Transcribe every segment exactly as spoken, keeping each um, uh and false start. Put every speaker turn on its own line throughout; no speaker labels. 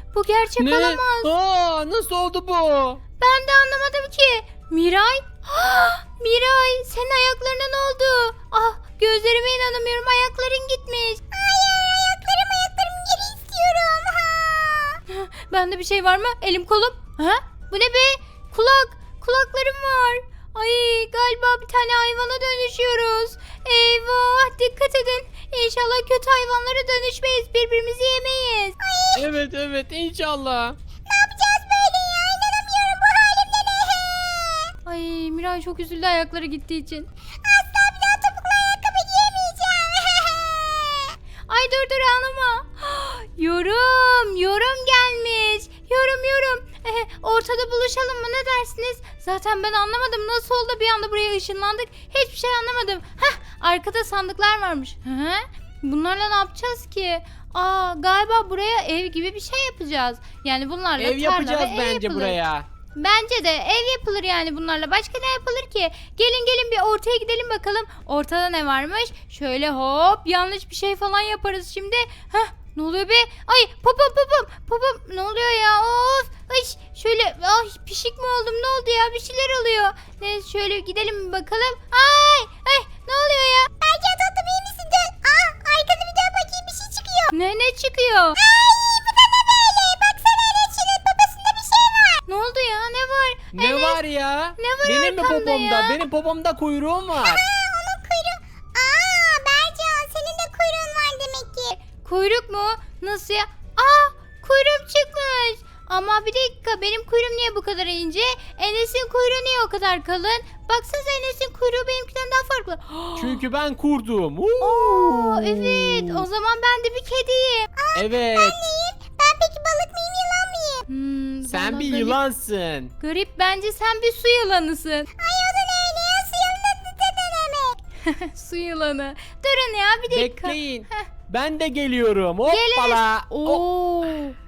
Bu gerçek
Ne?
olamaz.
Aa, nasıl oldu bu?
Ben de anlamadım ki. Miray? Ah, Miray senin ayaklarına ne oldu? Ah gözlerime inanamıyorum, ayakların gitmiş. Hayır, ayaklarım ayaklarım geri istiyorum. Ha. Bende bir şey var mı? Elim kolum. Ha? Bu ne be? Kulak. Kulaklarım var. Ay galiba bir tane hayvana dönüşüyoruz. Eyvah, dikkat edin. İnşallah kötü hayvanlara dönüşmeyiz. Birbirimizi yemeyiz. Ay.
Evet evet inşallah.
Ne yapacağız böyle ya? İnanamıyorum bu halimle ne? Ay Miray çok üzüldü ayakları gittiği için. Asla bir daha topuklu ayakkabı giyemeyeceğim. Ay dur dur ağlama. Yorum, yorum gelmiş. Yorum yorum. Eh, ortada buluşalım mı, ne dersiniz? Zaten ben anlamadım nasıl oldu bir anda buraya ışınlandık. Hiçbir şey anlamadım. Heh, arkada sandıklar varmış. Hı? Bunlarla ne yapacağız ki? Aa galiba buraya ev gibi bir şey yapacağız. Yani bunlarla
Ev
tarla
yapacağız
ve ev
bence
yapılır.
buraya.
Bence de ev yapılır yani bunlarla. Başka ne yapılır ki? Gelin gelin bir ortaya gidelim bakalım. Ortada ne varmış? Şöyle hop, yanlış bir şey falan yaparız şimdi. Heh, ne oluyor be? Ay popom popom popom, ne oluyor ya? Of. Ay şöyle, ay pişik mi oldum, ne oldu ya? Bir şeyler oluyor. Neyse şöyle gidelim bir bakalım. Ay ay ne oluyor ya? Erken tatlım iyi misin? Dön. Aa arkada bir dön bakayım, bir şey çıkıyor. Ne ne çıkıyor? Ay bu da ne böyle? Baksana Enes'in babasında bir şey var. Ne oldu ya? Ne var?
Ne
Enes,
var ya?
ne var
Benim mi
arkamda
popomda?
ya?
Benim popomda kuyruğum var.
Onun kuyruğu. Aa Bercan, senin de kuyruğun var demek ki. Kuyruk mu? Nasıl ya? Aa kuyruğum çıkmış. Ama bir dakika, benim kuyruğum niye bu kadar ince? Enes'in kuyruğu niye o kadar kalın? Baksanıza Enes'in kuyruğu benimkinden daha farklı.
Çünkü ben kurdum.
Oo, evet, o zaman ben de bir kediyim.
Evet.
Ben peki balık mıyım, yılan mıyım? Hmm,
Sen
vallahi
bir
garip.
yılansın.
Garip, bence sen bir su yılanısın. Ay o da ne öyle ya, su yılanı ne demek? Su yılanı. Durun ya bir dakika.
Bekleyin. Ben de geliyorum. Hoppala. Oh.
Oo.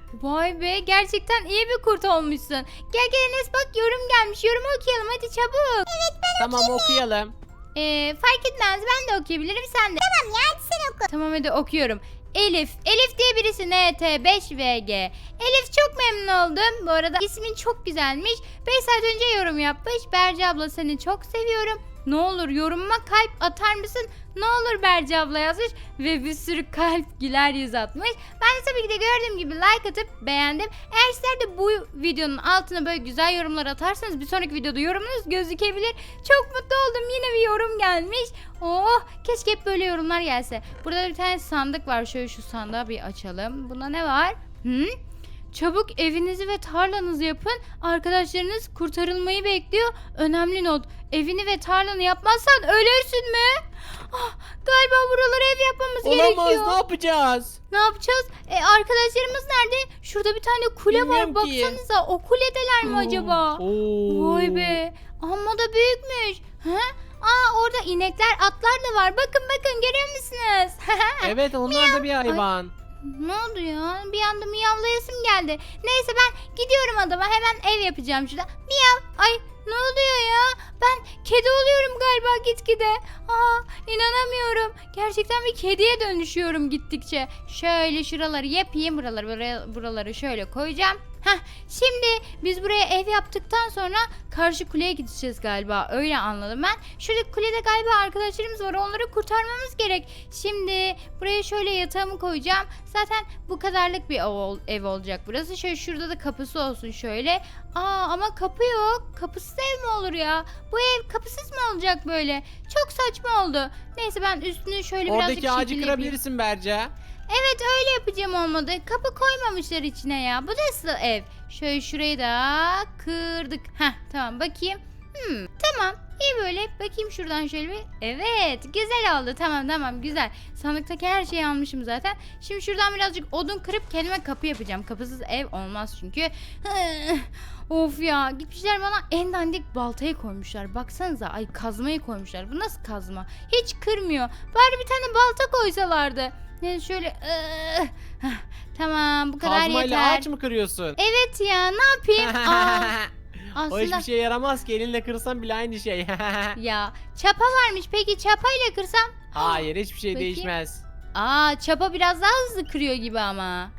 Vay be, gerçekten iyi bir kurt olmuşsun. Gel gel Enes, bak yorum gelmiş. Yorumu okuyalım hadi çabuk. Evet ben
Tamam okuyalım.
Ee, fark etmez, ben de okuyabilirim, sen de. Tamam ya, hadi sen oku. Tamam hadi okuyorum. Elif. Elif diye birisi, N T beş V G. Elif, çok memnun oldum. Bu arada ismin çok güzelmiş. beş saat önce yorum yapmış. Berce abla seni çok seviyorum. Ne olur yorumuma kalp atar mısın? Ne olur Berce abla yazmış. Ve bir sürü kalp, güler yüz atmış. Ben de tabii ki de gördüğüm gibi like atıp beğendim. Eğer sizler de bu videonun altına böyle güzel yorumlar atarsanız bir sonraki videoda yorumunuz gözükebilir. Çok mutlu oldum. Yine bir yorum gelmiş. Oh, keşke hep böyle yorumlar gelse. Burada da bir tane sandık var. Şöyle şu sandığı bir açalım. Bunda ne var? Hı? Çabuk evinizi ve tarlanızı yapın. Arkadaşlarınız kurtarılmayı bekliyor. Önemli not. Evini ve tarlanı yapmazsan ölürsün mü? Ah, galiba buralara ev yapmamız
Olamaz,
gerekiyor.
ne yapacağız?
Ne yapacağız? E, arkadaşlarımız nerede? Şurada bir tane kule
Bilmiyorum
var.
ki.
Baksanıza, o kuledeler mi acaba?
Oo.
Vay be. Amma da büyükmüş. Ha? Aa orada inekler, atlar da var. Bakın bakın, görüyor musunuz?
Evet onlar da bir hayvan.
Ne oldu ya? Bir anda miyavlayasım geldi. Neyse ben gidiyorum adama, hemen ev yapacağım şurada. Miyav. Ay ne oluyor ya? Ben kedi oluyorum galiba gitgide. Aa inanamıyorum. Gerçekten bir kediye dönüşüyorum gittikçe. Şöyle şuraları yapayım. Buraları buraya, buraları şöyle koyacağım. Heh, şimdi biz buraya ev yaptıktan sonra karşı kuleye gideceğiz galiba. Öyle anladım ben. Şurada kulede galiba arkadaşlarımız var. Onları kurtarmamız gerek. Şimdi buraya şöyle yatağımı koyacağım. Zaten bu kadarlık bir ev, ev olacak burası. Şöyle şurada da kapısı olsun şöyle. Aa ama kapı yok. Kapısız ev mi olur ya? Bu ev kapısız mı olacak böyle? Çok saçma oldu. Neyse ben üstünü şöyle birazcık
Oradaki ağacı
şekil yapayım.
kırabilirsin Berce.
Evet öyle yapacağım, olmadı. Kapı koymamışlar içine ya. Bu nasıl ev? Şöyle şurayı da kırdık. Heh tamam bakayım. Hmm, tamam iyi böyle. Bakayım şuradan şöyle bir. Evet güzel oldu. Tamam tamam güzel. Sandıktaki her şeyi almışım zaten. Şimdi şuradan birazcık odun kırıp kendime kapı yapacağım. Kapısız ev olmaz çünkü. Of ya, gitmişler bana en dandik baltayı koymuşlar. Baksanıza, ay kazmayı koymuşlar. Bu nasıl kazma? Hiç kırmıyor. Bari bir tane balta koysalardı. Neyse şöyle ıı, heh, tamam bu kadar
Kazmayla
yeter.
ağaç mı kırıyorsun?
Evet ya, ne yapayım? Aa,
O
aslında
hiçbir şey yaramaz ki, elinle kırsan bile aynı şey.
ya çapa varmış, peki çapayla kırsam?
Hayır hiçbir şey
Bakayım.
değişmez.
Aa çapa biraz daha hızlı kırıyor gibi ama.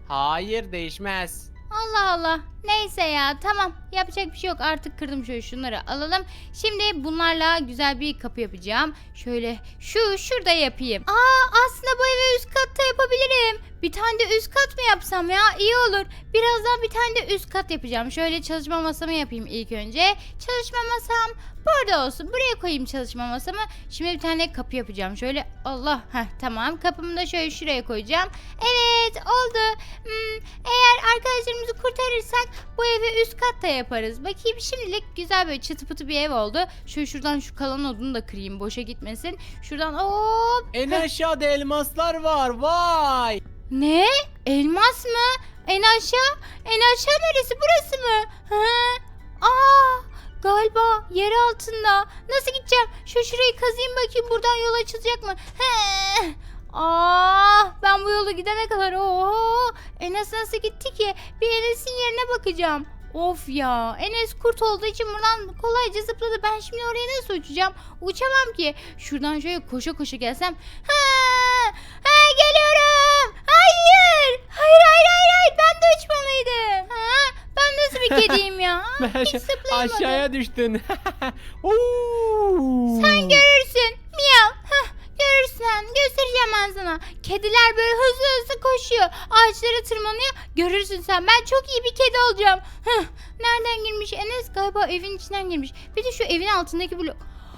Hayır, değişmez.
Allah Allah. Neyse ya, tamam, yapacak bir şey yok, artık kırdım. Şöyle şunları alalım. Şimdi bunlarla güzel bir kapı yapacağım. Şöyle şu şurada yapayım. Aa, aslında bu eve üst katta yapabilirim. Bir tane de üst kat mı yapsam ya? İyi olur. Birazdan bir tane de üst kat yapacağım. Şöyle çalışma masamı yapayım ilk önce. Çalışma masam burada olsun. Buraya koyayım çalışma masamı. Şimdi bir tane kapı yapacağım. Şöyle Allah. Heh, tamam. Kapımı da şöyle şuraya koyacağım. Evet, oldu. Hmm, eğer arkadaşlarımızı kurtarırsak bu evi üst katta yaparız. Bakayım, şimdilik güzel böyle çıtı pıtı bir ev oldu. Şöyle şuradan şu kalan odunu da kırayım, boşa gitmesin. Şuradan hop.
En aşağıda elmaslar var. Vay.
Ne? Elmas mı? En aşağı? En aşağı neresi? Burası mı? Ha? Aa, galiba yer altında. Nasıl gideceğim? Şu şurayı kazayım bakayım, buradan yol açılacak mı? He. Aa, ben bu yolu gidene kadar oho. Enes nasıl gitti ki? Bir Enes'in yerine bakacağım. Of ya, Enes kurt olduğu için buradan kolayca zıpladı. Ben şimdi oraya nasıl uçacağım? Uçamam ki. Şuradan şöyle koşa koşa gelsem. Ha, ha, geliyorum. Hayır. Hayır hayır hayır hayır. Ben de uçmalıydım. Ha, ben nasıl bir kediyim ya? Hiç zıplayamadım.
Aşağıya düştün. Oo.
Sen görürsün. Miyav. Hah, görürsen. Göstereceğim ben sana. Kediler böyle hızlı hızlı koşuyor. Ağaçlara tırmanıyor. Görürsün sen. Ben çok iyi bir kedi olacağım. Hah, nereden girmiş? Enes galiba evin içinden girmiş. Bir de şu evin altındaki blok.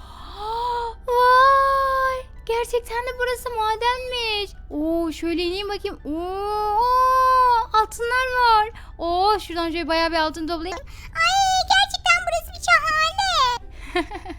Vay! Gerçekten de burası madenmiş. Oo, şöyle ineyim bakayım. Oo, altınlar var. Oo, şuradan şöyle bayağı bir altın toplayayım. Ay, gerçekten burası bir şahane.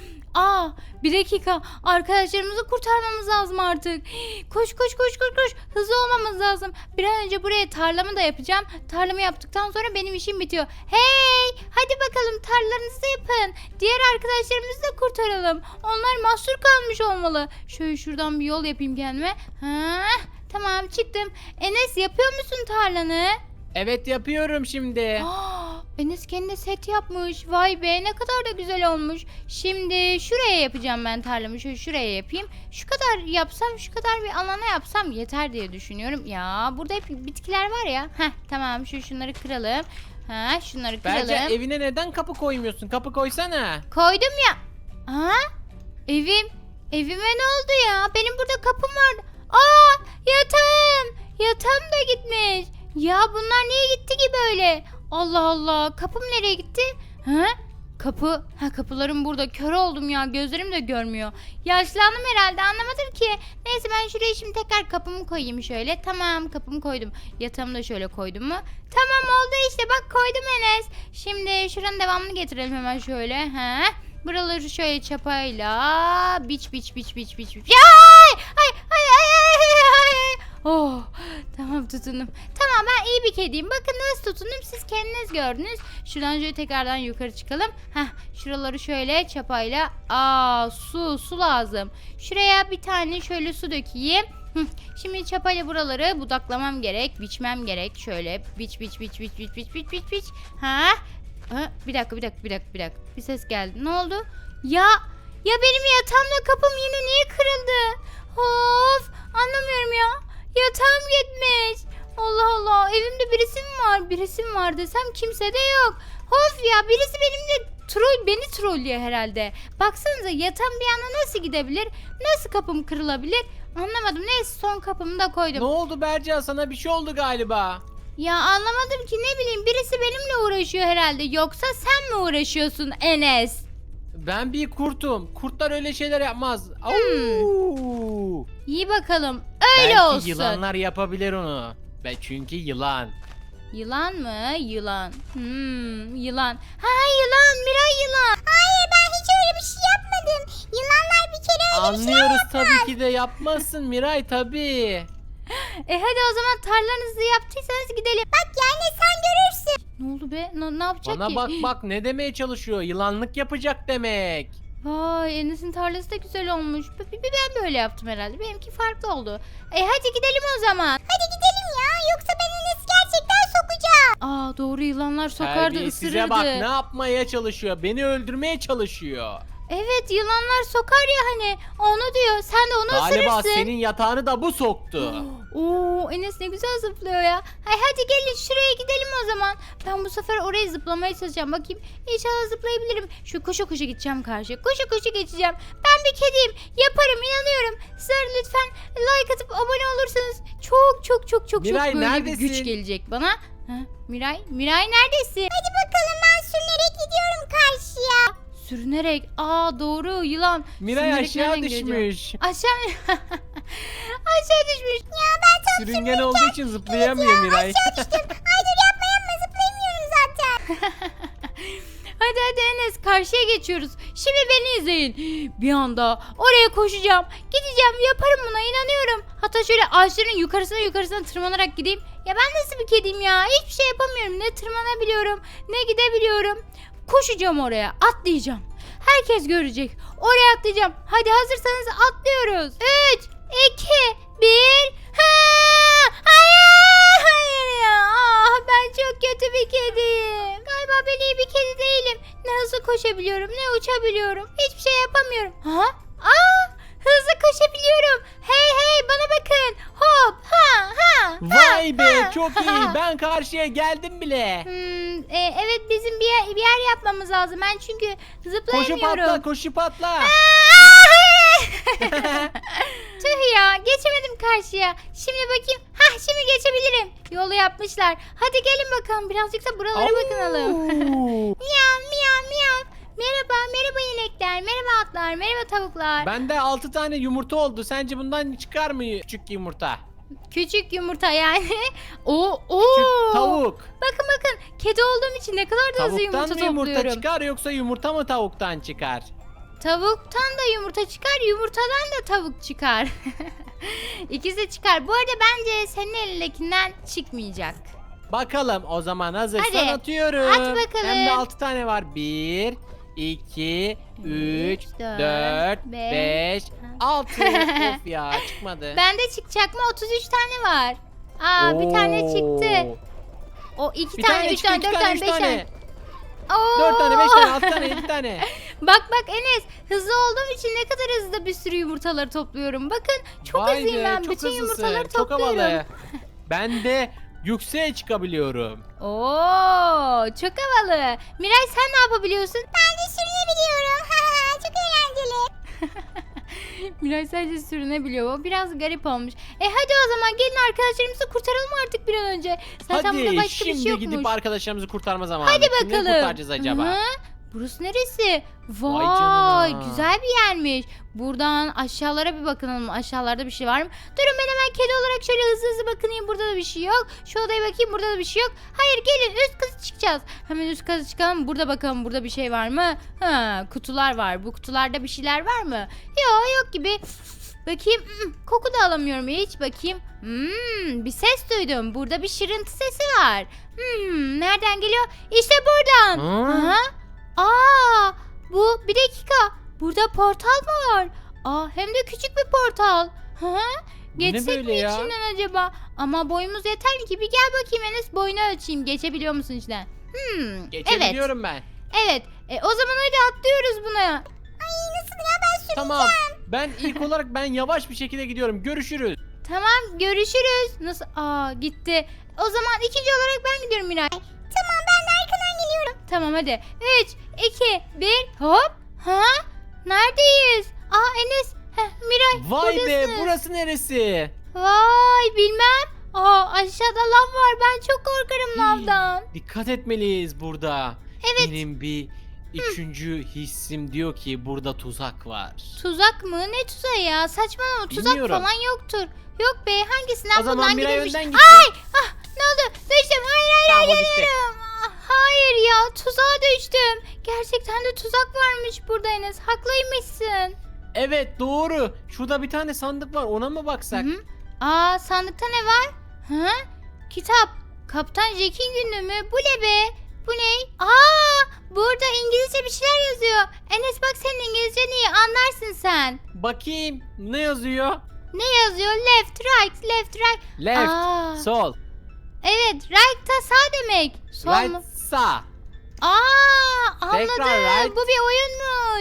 Aa, bir dakika. Arkadaşlarımızı kurtarmamız lazım artık. Koş koş koş koş koş. Hızlı olmamız lazım. Bir an önce buraya tarlamı da yapacağım. Tarlamı yaptıktan sonra benim işim bitiyor. Hey! Hadi bakalım, tarlalarınızı yapın. Diğer arkadaşlarımızı da kurtaralım. Onlar mahsur kalmış olmalı. Şöyle şuradan bir yol yapayım kendime. Ha, tamam, çıktım. Enes, yapıyor musun tarlanı?
Evet, yapıyorum şimdi.
Aa, Enes kendine set yapmış. Vay be, ne kadar da güzel olmuş. Şimdi şuraya yapacağım ben tarlamı. Şöyle şuraya yapayım. Şu kadar yapsam, şu kadar bir alana yapsam yeter diye düşünüyorum. Ya burada hep bitkiler var ya. Heh, tamam, şu şunları kıralım. Ha, şunları kıralım.
Bence evine neden kapı koymuyorsun? Kapı koysana.
Koydum ya. Aa, evim. Evime ne oldu ya? Benim burada kapım vardı. Aa, yatağım. Yatağım da gitmiş. Ya bunlar niye gitti ki böyle? Allah Allah. Kapım nereye gitti? Ha? Kapı. Ha, kapılarım burada. Kör oldum ya. Gözlerim de görmüyor. Yaşlandım herhalde. Anlamadım ki. Neyse, ben şuraya şimdi tekrar kapımı koyayım şöyle. Tamam, kapımı koydum. Yatağımı da şöyle koydum mu? Tamam, oldu işte. Bak, koydum Enes. Şimdi şuranın devamını getirelim hemen şöyle. Ha? Buraları şöyle çapayla biç biç biç biç biç biç. Ay! Ay! Ay! Ay! Ay! Ay! Oh, tamam, tutundum. Tamam, ben iyi bir kediyim. Bakın nasıl tutundum, siz kendiniz gördünüz. Şuradan şöyle tekrardan yukarı çıkalım. Heh, şuraları şöyle çapayla. Aa, su su lazım. Şuraya bir tane şöyle su dökeyim. Hı, şimdi çapayla buraları budaklamam gerek, biçmem gerek. Şöyle biç biç biç biç biç biç biç biç biç. Ha? Ha, bir dakika bir dakika bir dakika bir dakika. Bir ses geldi. Ne oldu? Ya ya benim yatağımla kapım yine niye kırıldı? Of, anlamıyorum ya. Yatağım gitmiş. Allah Allah, evimde birisi mi var? Birisi mi var desem kimse de yok. Of ya, birisi benimle troll, beni trollüyor herhalde. Baksanıza, yatağım bir yana nasıl gidebilir? Nasıl kapım kırılabilir? Anlamadım. Neyse, son kapımı da koydum.
Ne oldu Berca? Sana bir şey oldu galiba.
Ya anlamadım ki, ne bileyim, birisi benimle uğraşıyor herhalde. Yoksa sen mi uğraşıyorsun Enes?
Ben bir kurtum. Kurtlar öyle şeyler yapmaz. Au!
İyi bakalım. Öyle
Belki
olsun.
yılanlar yapabilir onu. Ben çünkü yılan.
Yılan mı? Yılan. Hmm, yılan. Ha, yılan. Miray yılan. Hayır, ben hiç öyle bir şey yapmadım. Yılanlar bir kere öyle
Anlıyoruz tabii ki de yapmazsın Miray tabii.
E hadi o zaman, tarlanızı yaptıysanız gidelim. Bak yani, sen görürsün. Ne oldu be? Ne, ne yapacak
Bana
ki?
bak bak ne demeye çalışıyor? Yılanlık yapacak demek.
Vay, Enes'in tarlası da güzel olmuş. B- b- Ben böyle yaptım herhalde. Benimki farklı oldu. E hadi gidelim o zaman. Hadi gidelim ya. Yoksa ben Enes'i gerçekten sokacağım. Aa, doğru, yılanlar sokardı,
Size
ısırırdı.
bak ne yapmaya çalışıyor? Beni öldürmeye çalışıyor.
Evet, yılanlar sokar ya hani. Onu diyor. Sen de onu
Galiba
ısırırsın.
senin yatağını da bu soktu.
Oo, Enes ne güzel zıplıyor ya. Hay hadi gelin şuraya gidelim o zaman. Ben bu sefer oraya zıplamaya çalışacağım. Bakayım inşallah zıplayabilirim. Şu koşu koşu gideceğim karşıya. Koşu koşu geçeceğim. Ben bir kediyim. Yaparım, inanıyorum. Sizler lütfen like atıp abone olursanız çok çok çok çok
Miray,
çok böyle
neredesin?
bir güç gelecek bana. Ha, Miray, Miray neredesin? Hadi bakalım, ben sürünerek gidiyorum karşıya. Sürünerek. Aa doğru, yılan.
Miray
Sürünerek
aşağı
nereden geleceğim?
düşmüş.
Aşağı aşağı düşmüş. Ya ben tam
Sürüngen olduğu için zıplayamıyor Miray.
Ay dur, yapma yapma, zıplayamıyorum zaten. Hadi hadi Enes, karşıya geçiyoruz. Şimdi beni izleyin. Bir anda oraya koşacağım. Gideceğim, yaparım, buna inanıyorum. Hatta şöyle ağaçların yukarısına yukarısına tırmanarak gideyim. Ya ben nasıl bir kediyim ya? Hiçbir şey yapamıyorum. Ne tırmanabiliyorum ne gidebiliyorum. Koşacağım oraya, atlayacağım. Herkes görecek. Oraya atlayacağım. Hadi hazırsanız atlıyoruz. üç, iki, bir. Ha! Hayır, hayır ya. Ah, ben çok kötü bir kediyim. Galiba ben iyi bir kedi değilim. Ne hızlı koşabiliyorum, ne uçabiliyorum. Hiçbir şey yapamıyorum. Ha? Aa, hızlı koşabiliyorum. Hey hey, bana bakın. Hop, ha, ha.
Vay be,
ha,
çok
ha.
iyi. Ben karşıya geldim bile.
Hmm, e, evet, bizim bir yer, bir yer yapmamız lazım. Ben çünkü
Koşu
zıplayamıyorum.
patla, koşu patla.
Tüh ya, geçemedim karşıya. Şimdi bakayım. Hah, şimdi geçebilirim. Yolu yapmışlar. Hadi gelin bakalım, birazcık da buralara bakınalım.
Au.
Miyav miyav miyav. Merhaba merhaba inekler, merhaba atlar, merhaba tavuklar.
Bende altı tane yumurta oldu. Sence bundan çıkar mı küçük yumurta?
Küçük yumurta yani. Oo, oo.
Küçük tavuk.
Bakın bakın, kedi olduğum için ne kadar da hızlı
Tavuktan
yumurta
mı yumurta
topluyorum.
çıkar yoksa yumurta mı tavuktan çıkar?
Tavuktan da yumurta çıkar, yumurtadan da tavuk çıkar. İkisi de çıkar. Bu arada bence senin elindekinden çıkmayacak.
Bakalım o zaman, hazırsan
Hadi,
atıyorum.
at bakalım.
Hem de altı tane var. bir, iki, üç,
Üç, dört,
dört,
beş,
beş, altı. Of ya, çıkmadı.
Bende çıkacak mı? otuz üç tane var. Aa, bir tane çıktı. O iki
Bir
tane,
tane
üç
çıktı,
tane,
iki
dört
tane,
tane,
üç
beş tane.
tane.
Oo.
Dört tane, beş tane, altı tane, yedi tane.
Bak bak Enes, hızlı olduğum için ne kadar hızlı bir sürü yumurtaları topluyorum. Bakın çok
Vay
hızlıyım
be,
ben.
çok
Bütün
hızlısın,
yumurtaları
çok
topluyorum.
havalı. Ben de yükseğe çıkabiliyorum.
Oo, çok havalı. Miray, sen ne yapabiliyorsun? Ben de sürünebiliyorum. Çok eğlenceli. Miray sadece sürünebiliyor. O biraz garip olmuş. E hadi o zaman gelin arkadaşlarımızı kurtaralım artık bir an önce. Zaten burada
Hadi
başka
şimdi
bir şey yokmuş.
gidip arkadaşlarımızı kurtarma zamanı.
Hadi
Kimleri
bakalım.
kurtaracağız acaba?
Hı? Burası neresi? Vay,
canına.
güzel bir yermiş. Buradan aşağılara bir bakalım. Aşağılarda bir şey var mı? Durun, ben hemen kedi olarak şöyle hızlı hızlı bakınayım. Burada da bir şey yok. Şu odaya bakayım, burada da bir şey yok. Hayır, gelin üst kata çıkacağız. Hemen üst kata çıkalım. Burada bakalım, burada bir şey var mı? Ha, kutular var. Bu kutularda bir şeyler var mı? Yok, yok gibi. Bakayım. Hmm, koku da alamıyorum hiç. Bakayım. Hmm, bir ses duydum. Burada bir şırıntı sesi var. Hmm, nereden geliyor? İşte buradan.
Hı?
Aha. Aa, bu bir dakika. Burada portal mı var? Aa, hem de küçük bir portal. Hı?
Bu ne
Geçsek
böyle
mi
ya?
içinden acaba? Ama boyumuz yeter mi ki? Bir gel bakayım Enes, boyunu ölçeyim. Geçebiliyor musun içinden? Hmm, evet.
Geçebiliyorum ben.
Evet. E, o zaman hadi atlıyoruz buna. Ay, nasıl ya, ben süreceğim.
Tamam. Ben ilk olarak ben yavaş bir şekilde gidiyorum. Görüşürüz.
Tamam, görüşürüz. Nasıl? Aa, gitti. O zaman ikinci olarak ben gidiyorum Miray. Tamam, ben de arkadan geliyorum. Tamam hadi. üç, iki, bir, hop. Ha? Neredeyiz? Aa, Enes. Heh, Miray,
Vay be,
buradasın.
burası neresi?
Vay, bilmem. Aa, aşağıda lav var. Ben çok korkarım lavdan.
Dikkat etmeliyiz burada.
Evet.
Benim bir üçüncü hissim diyor ki burada tuzak var.
Tuzak mı? Ne tuzağı ya? Saçmalama, tuzak
Bilmiyorum.
falan yoktur. Yok be, hangisinden
O zaman
buradan
Miray
girilmiş?
önden gitsin.
Ay! Ah, ne oldu? Düştüm. Hayır hayır
Tamam, o
hayır,
gitti.
geliyorum. Ah, hayır ya, tuzağa düştüm. Gerçekten de tuzak varmış burada Enes. Haklıymışsın.
Evet, doğru. Şurada bir tane sandık var, ona mı baksak?
Hı? Aa, sandıkta ne var? Hı? Kitap. Kaptan Jack'in günlüğü mü? Bu ne be? Bu ne? Aa, burada İngilizce bir şeyler yazıyor. Enes bak, senin İngilizcen iyi, anlarsın sen.
Bakayım ne yazıyor?
Ne yazıyor? Left, right, left, right.
Left,
Aa,
sol,
evet, right da sağ demek. Sol
right,
mu?
sağ.
Aa, anladım.
Tekrar right.
Bu bir oyunmuş.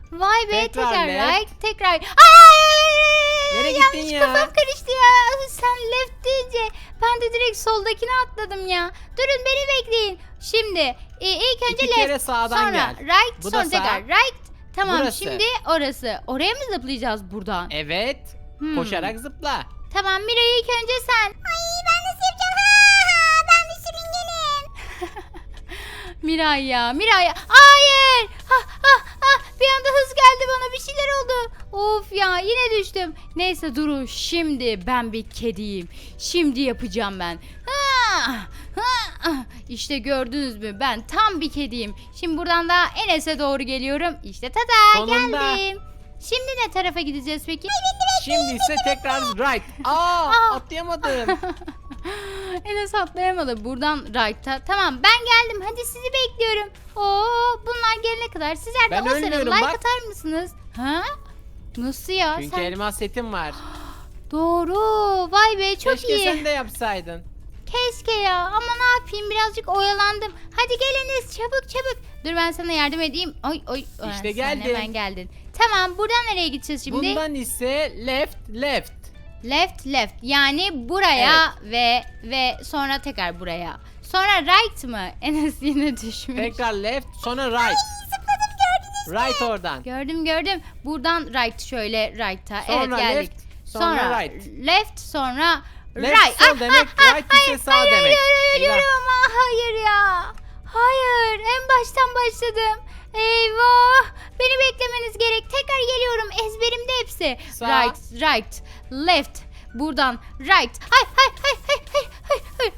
Vay be,
Tekrar
tekrar,
left.
right, tekrar. Ay!
Nereye gittin
Yanlış,
ya?
kafam karıştı ya. Sen left deyince ben de direkt soldakine atladım ya. Durun, beni bekleyin. Şimdi e, ilk önce
İki
left,
kere sağdan
sonra
gel.
right,
Bu da
sonra
sağ.
tekrar right. Tamam,
Burası.
şimdi orası. Oraya mı zıplayacağız buradan?
Evet.
Hmm.
Koşarak zıpla.
Tamam Miray, ilk önce sen. Ay, ben nasıl yapacağım? Ha, ha, ben bir sürüngenim. Miray ya, Miray ya. Hayır. Ha, ha, ha. Bir anda hız geldi bana, bir şeyler oldu. Of ya, yine düştüm. Neyse Duru, şimdi ben bir kediyim. Şimdi yapacağım ben. Ha, ha. İşte gördünüz mü, ben tam bir kediyim. Şimdi buradan da Enes'e doğru geliyorum. İşte tada,
Sonunda.
geldim. Şimdi ne tarafa gideceğiz peki?
Şimdi ise tekrar right. Aa,
Aa.
atlayamadım.
Enes atlayamadı. Buradan right'a. Tamam, ben geldim. Hadi sizi bekliyorum. Oo, bunlar gelene kadar sizler de
Ben
o sırada
ölmüyorum,
like
bak.
atar mısınız? Ha? Nasıl ya?
Çünkü
Sen...
elmas setim var.
Doğru. Vay be, çok
Keşke
iyi.
sen de yapsaydın.
Keşke ya. Ama ne yapayım, birazcık oyalandım. Hadi gel Enes, çabuk çabuk. Dur, ben sana yardım edeyim. Oy oy. Aa,
İşte
sen
geldim.
hemen geldin. Tamam, buradan nereye gideceğiz şimdi?
Bundan ise left left.
Left left, yani buraya ve ve sonra tekrar buraya. Sonra right mı? Enes yine düşmüş.
Tekrar left sonra right.
Zıpladım, gördünüz mü?
Right oradan.
Gördüm gördüm. Buradan right, şöyle right'a. Evet,
Sonra
geldik.
left, sonra right.
Left, sonra
Left
right.
sol
Ah,
demek,
ah, ah,
right
hayır,
ise sağ
hayır,
demek.
Hayır,
Eyvah.
ölüyorum. Ah, hayır ya. Hayır, en baştan başladım. Eyvah. Beni beklemeniz gerek. Tekrar geliyorum. Ezberimde hepsi.
Sağ.
Right, right, left. Buradan right. Hay hay hay hay hay hay hay.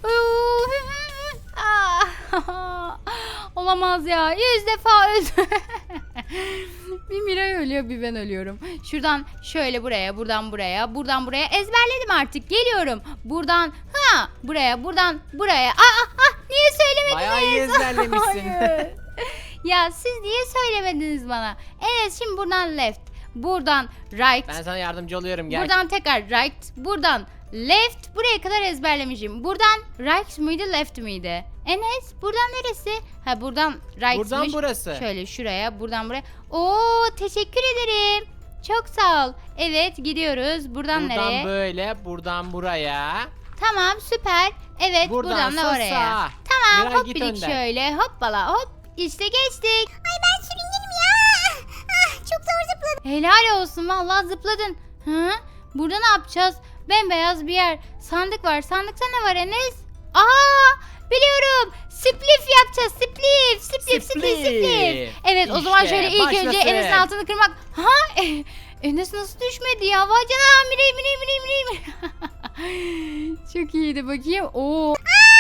Ah, olamaz ya. Yüz defa öldüm. Bir Miray ölüyor, bir ben ölüyorum. Şuradan şöyle buraya, buradan buraya, buradan buraya ezberledim artık. Geliyorum. Buradan ha buraya, buradan buraya. Aa, ah, ah, niye söylemediniz?
Bayağı iyi ezberlemişsin.
Hayır. Ya siz niye söylemediniz bana? Evet, şimdi buradan left, buradan right,
Ben sana yardımcı oluyorum, gel.
buradan tekrar right, buradan left, buraya kadar ezberlemişim. Buradan right mıydı, left miydi? Enes, buradan neresi? Ha, buradan right'mış.
Buradan burası.
Şöyle şuraya, buradan buraya. Oo, teşekkür ederim. Çok sağ ol. Evet, gidiyoruz. Buradan,
Buradan
nereye?
böyle, buradan buraya.
Tamam, süper. Evet, buradan da
Buradansa
oraya.
sağ.
Tamam,
Miray,
hop
git
birik
önden.
şöyle. Hoppala hop. İşte geçtik. Ay, ben sürüngenim ya. Ah, çok zor zıpladım. Helal olsun, vallahi zıpladın. Hı? Burada ne yapacağız? Bembeyaz bir yer. Sandık var. Sandıkta ne var Enes? Aa, biliyorum. Spliff yapacağız. Spliff. Spliff, spliff, spliff. Evet, o zaman
İşte,
şöyle ilk önce
başlasın.
Enes'in altını kırmak. Ha? E, Enes nasıl düşmedi ya? Vay canına. Mirey, mirey, mirey, mirey. Çok iyiydi, bakayım. Oo.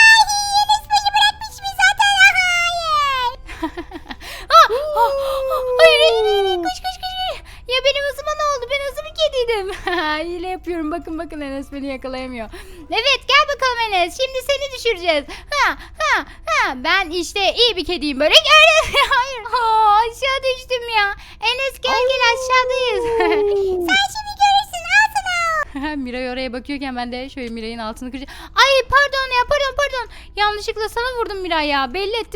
Ah, ah, ah, hayır, hayır, hayır, koş koş koş. Ya benim hızıma ne oldu? Ben hızlı bir kediydim. Hile yapıyorum. Bakın bakın, Enes beni yakalayamıyor. Evet, gel bakalım Enes. Şimdi seni düşüreceğiz. Ha ha ha. Ben işte iyi bir kediyim böyle. Gördün. Hayır. Aa, aşağı düştüm ya. Enes gel gel, aşağıdayız. Sen şimdi görürsün. Al sana. Miray oraya bakıyorken ben de şöyle Miray'ın altını kıracağım. Ay pardon ya, pardon pardon. Yanlışlıkla sana vurdum Miray ya. Belli ettim.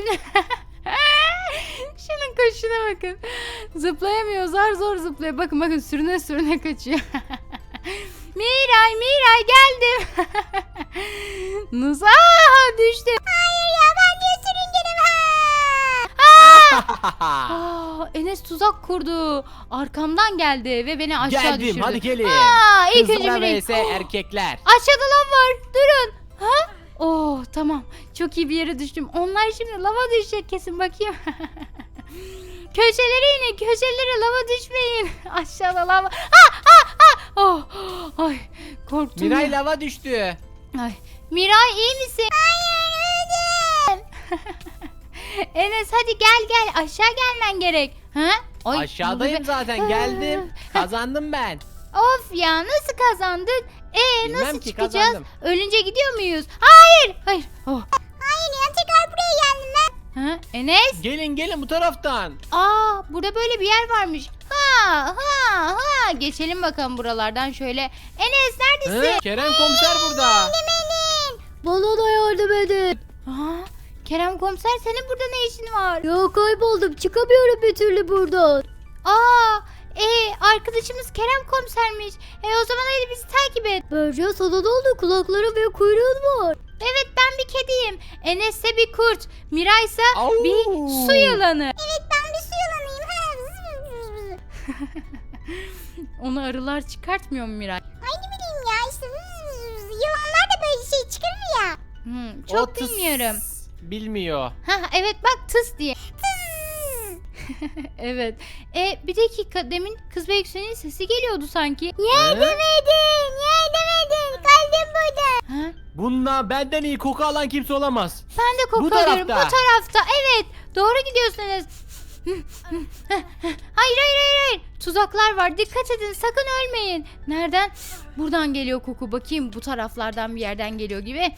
Şunun koşuna bakın. Zıplayamıyor, zar zor zıplıyor. Bakın bakın, sürüne sürüne kaçıyor. Miray, Miray geldim. Nasıl? Aa, düştüm. Hayır ya, ben niye sürüngenim? Aa, Enes tuzak kurdu. Arkamdan geldi ve beni aşağı
Geldim,
düşürdü.
hadi gelin.
Aa, ilk önce
Kızlar
Miray.
vs erkekler.
Aşağıda lav var. Durun. Ha? Oh, tamam. Çok iyi bir yere düştüm. Onlar şimdi lava düşecek kesin, bakayım. Köşelere inin. Köşelere, lava düşmeyin. Aşağıda lava. Ha ha ha. Oh, ay, korktum.
Miray
ya.
lava düştü.
Ay, Miray iyi misin? Hayır, öldüm. Enes hadi gel gel. Aşağı gelmen gerek. Ha? Ay,
Aşağıdayım
bu-
zaten, geldim. Kazandım ben.
Of ya, nasıl kazandık? Ee,
Bilmem
nasıl
ki,
çıkacağız?
kazandım.
Ölünce gidiyor muyuz? Hayır. Hayır. Oh. Hayır ya, tekrar buraya geldim ben. Ha? Enes?
Gelin gelin bu taraftan.
Aa, burada böyle bir yer varmış. Ha ha ha. Geçelim bakalım buralardan şöyle. Enes neredesin?
Hı? Kerem komiser burada.
Benim. Bana da yardım edin. Aa, Kerem komiser, senin burada ne işin var?
Ya kayboldum, çıkamıyorum bir türlü buradan.
Aa, e, arkadaşımız Kerem komisermiş. E, o zaman hadi bizi takip et.
Berca sana ne oldu? Kulakları ve kuyruğun var.
Evet, ben bir kediyim. Enes ise bir kurt. Miray ise
Au.
bir su yılanı.
Evet ben bir su yılanıyım.
Onu arılar çıkartmıyor mu Miray?
Ay ne bileyim ya işte yılanlar da böyle şey çıkarır ya.
Hmm,
O
çok
tıs
bilmiyorum.
Bilmiyor.
Ha, evet bak, tıs diye. Evet. E, bir dakika, demin kız ve yükseğinin sesi geliyordu sanki.
He?
Demedin, ya demedin. Kaldım burada.
Ha?
Bununla benden iyi koku alan kimse olamaz.
Ben de koku
Bu
alıyorum. Bu
tarafta.
tarafta. Evet. Doğru gidiyorsunuz. Hayır hayır hayır hayır. Tuzaklar var. Dikkat edin. Sakın ölmeyin. Nereden? Buradan geliyor koku. Bakayım, bu taraflardan bir yerden geliyor gibi.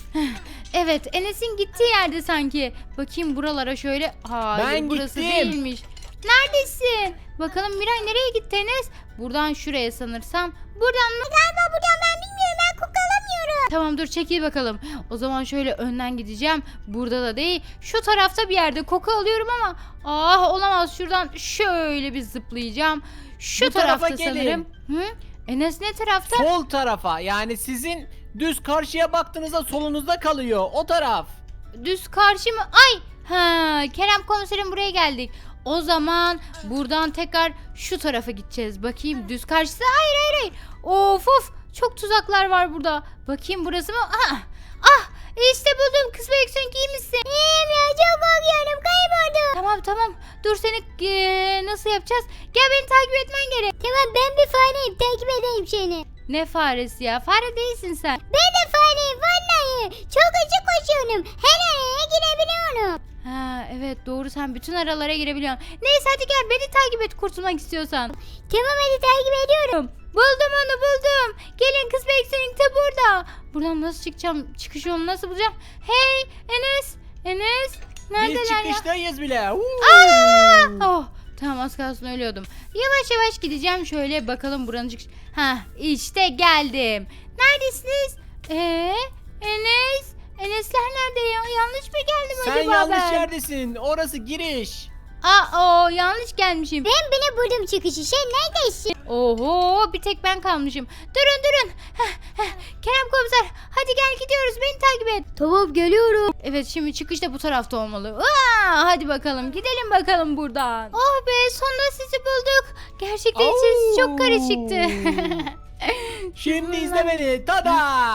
Evet, Enes'in gittiği yerde sanki. Bakayım buralara şöyle. Hayır,
Ben
burası
gittim.
değilmiş. Neredesin? Bakalım Miray, nereye gitti Enes? Buradan şuraya sanırsam. Buradan mı?
Galiba buradan ben bilmiyorum. Ben koku alamıyorum.
Tamam, dur çekil bakalım. O zaman şöyle önden gideceğim. Burada da değil. Şu tarafta bir yerde koku alıyorum ama ah, olamaz. Şuradan şöyle bir zıplayacağım. Şu
Bu tarafa
tarafta
gelin.
sanırım. Hı? Enes ne tarafta?
Sol tarafa, yani sizin düz karşıya baktığınızda solunuzda kalıyor. O taraf.
Düz karşı mı? Ay! Ha, Kerem komiserim, buraya geldik. O zaman buradan tekrar şu tarafa gideceğiz. Bakayım, düz karşısı. Hayır hayır hayır. Of of. Çok tuzaklar var burada. Bakayım, burası mı? Ah! Ah! İşte buldum. Kız ve yüksek, iyi misin?
İyiyim ya çok korkuyorum. Kayboldum.
Tamam tamam. Dur, seni eee, nasıl yapacağız? Gel, beni takip etmen gerek.
Tamam ben bir fareyim. Takip edeyim seni.
Ne faresi ya? Fare değilsin sen.
Ben de fareyim vallahi. Çok hızlı koşuyorum. Her araya girebiliyorum.
Ha evet, doğru, sen bütün aralara girebiliyorsun. Neyse, hadi gel, beni takip et kurtulmak istiyorsan.
Tamam hadi takip ediyorum.
Buldum onu, buldum. Gelin, kız bekleyin de burada. Buradan nasıl çıkacağım? Çıkış yolunu nasıl bulacağım? Hey Enes. Enes.
Biz
Neredeler ya?
çıkıştayız bile. Uuu.
Aa! Oh, tamam, az kalsın ölüyordum. Yavaş yavaş gideceğim, şöyle bakalım buranın çıkış. Ha, işte geldim. Neredesiniz? Ee, Enes. Enesler nerede ya? Yanlış mı geldim
Sen
acaba
yanlış
ben?
yerdesin. Orası giriş.
Aa, o yanlış gelmişim.
Ben bile buldum çıkışı. Sen neredesin?
Oho, bir tek ben kalmışım. Durun durun. Heh, heh. Kerem komiser, hadi gel, gidiyoruz, beni takip et.
Tamam geliyorum.
Evet, şimdi çıkış da bu tarafta olmalı. Aa, hadi bakalım, gidelim bakalım buradan. Oh be, sonunda sizi bulduk. Gerçekten içerisi çok karışıktı.
Şimdi izle beni. Tada!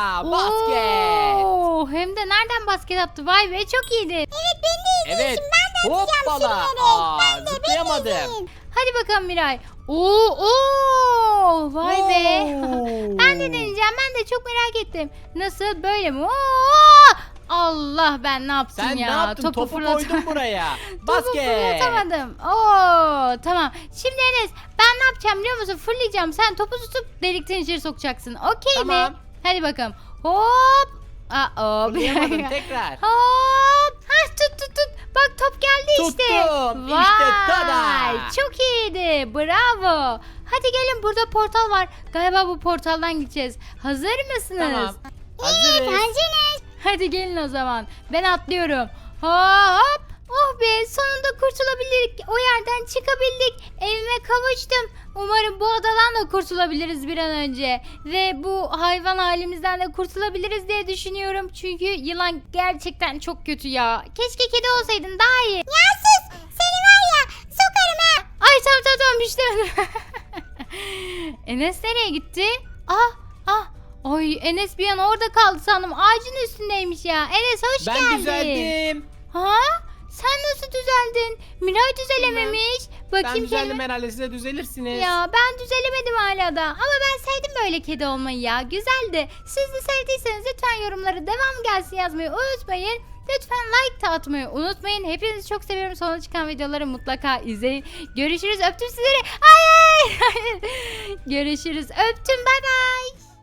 Basket.
Oo, hem de nereden basket attı? Vay be, çok iyiydi.
Evet ben de
Evet. Hoppala. Aa, zıplayamadım.
Hadi bakalım Miray. Oo, oo, vay be.
Oo.
Ben de deneyeceğim. Ben de çok merak ettim. Nasıl, böyle mi? Oo! Allah, ben ne yaptım
Sen
ya?
ne yaptın? Topu,
fırlat-
koydun buraya.
Topu
Basket.
fırlatamadım. Oo, tamam. Şimdi Enes, ben ne yapacağım biliyor musun? Fırlayacağım. Sen topu tutup delikten içeri sokacaksın. Okey
Tamam.
mi? Hadi bakalım. Hop. Aa, hop.
Fırlayamadın tekrar.
Hop. Hah, tut tut tut. Bak, top geldi işte.
Tuttum. İşte tada.
Vay, çok iyiydi. Bravo. Hadi gelin, burada portal var. Galiba bu portaldan gideceğiz. Hazır mısınız?
Tamam. Hazırız.
Hazırız.
Hadi gelin o zaman. Ben atlıyorum. Hop. Oh be, sonunda kurtulabildik. O yerden çıkabildik. Evime kavuştum. Umarım bu adadan da kurtulabiliriz bir an önce. Ve bu hayvan halimizden de kurtulabiliriz diye düşünüyorum. Çünkü yılan gerçekten çok kötü ya. Keşke kedi olsaydın, daha iyi.
Ya sus. Seni var ya sokarım ha.
Ay tamam tamam tamam, işte. Enes nereye gitti? Ah ah. Ay, Enes bir an orada kaldı sandım. Ağacın üstündeymiş ya. Enes hoş
Ben
geldin.
düzeldim.
Ha? Sen nasıl düzeldin? Miray düzelememiş.
Ben
Bakayım
düzeldim,
kendime.
herhalde siz de düzelirsiniz.
Ya ben düzelemedim hala da. Ama ben sevdim böyle kedi olmayı ya. Güzeldi. Siz de sevdiyseniz lütfen yorumlara devam gelsin yazmayı unutmayın. Lütfen like de atmayı unutmayın. Hepinizi çok seviyorum. Sonra çıkan videoları mutlaka izleyin. Görüşürüz. Öptüm sizleri. Hayır. Hayır. Görüşürüz. Öptüm. Bay bay.